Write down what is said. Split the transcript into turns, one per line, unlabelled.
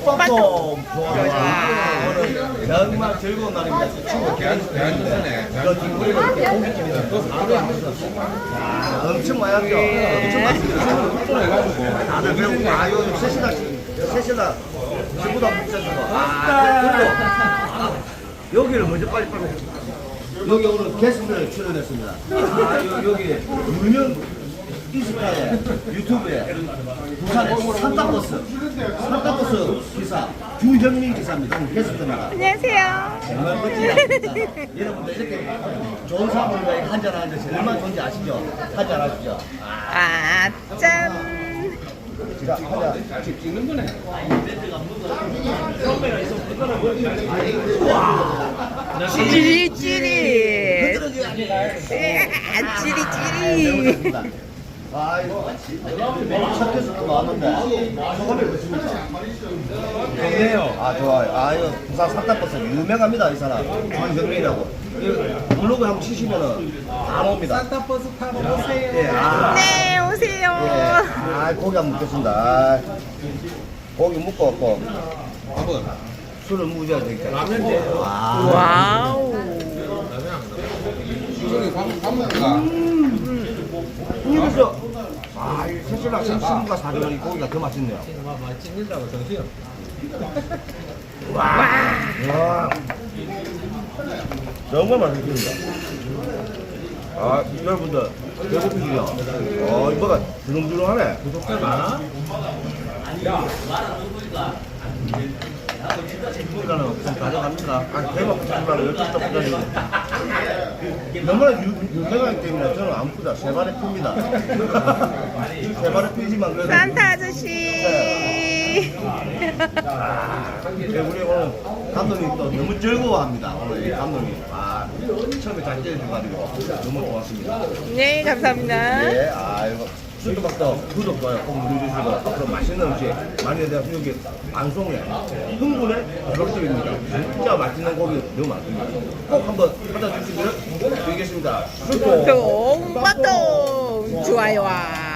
뽕뽕
좋아.
오늘 정말 즐거운 날입니다. 친구
대한민국에
저 뒷구리가 이렇게 고깃집이다. 엄청 많았죠. 엄청 많습니다.
해가지고
다들 배우고 요즘 셋이나 전부 다 묵자주고 여기를 먼저 빨리빨리 여기 오늘 게스트 출연했습니다. 여기 유명 인스타에 유튜브에 부산의 산타버스 기사 주현민 기사입니다. 오늘 게스트입니다.
안녕하세요.
정말 멋지지 않습니까? 여러분들 이렇게 좋은 사람들과 한잔하는데 얼마나 좋은지 아시죠? 한잔하시죠?
아, 짠.
자, 한잔.
찍는 거네.
찌리찌리. 찌리찌리.
이거 첫 게스트 나왔는데 소감이 어떻습니까?
좋네요.
좋아요. 이거 부산 산타버스 유명합니다. 이 사람 주현민이라고. 블로그 한번 치시면은 다 나옵니다.
산타버스 타고 오세요.
예,
네, 오세요.
고기 한번 먹겠습니다. 고기 묶어갖고
밥은
술을 무지하게 되겠다.
라면
와우.
저기 밥 먹자.
이거죠. 이 새신랑 신부가 사주는 이 고기가 더 맛있네요.
찍는다고 정신.
와. 정말 맛있습니다. 여러분들 배고프시죠? 이거가 주렁주렁하네.
구독자 많아?
이거는 좀 가져갑니다. 대박 부장님하고 12점 부장님. 너무나 유명하기 때문에 저는 안 푸다. 세 발에 핍니다. 세 발에 피지만 그래도.
산타 아저씨.
우리 오늘 감독님 또 너무 즐거워합니다. 오늘 이 감독님. 처음에 잘 째려줘가지고 너무 고맙습니다.
네, 감사합니다.
네, 이거 수도박도 구독, 좋아요 꼭 눌러주시고 앞으로 맛있는 음식 많이 해서 여기 방송에 흥분의 별점입니다. 진짜 맛있는 고기 너무 많습니다. 꼭 한번 찾아주시기를 드리겠습니다.
똥, 빠똥. 좋아요와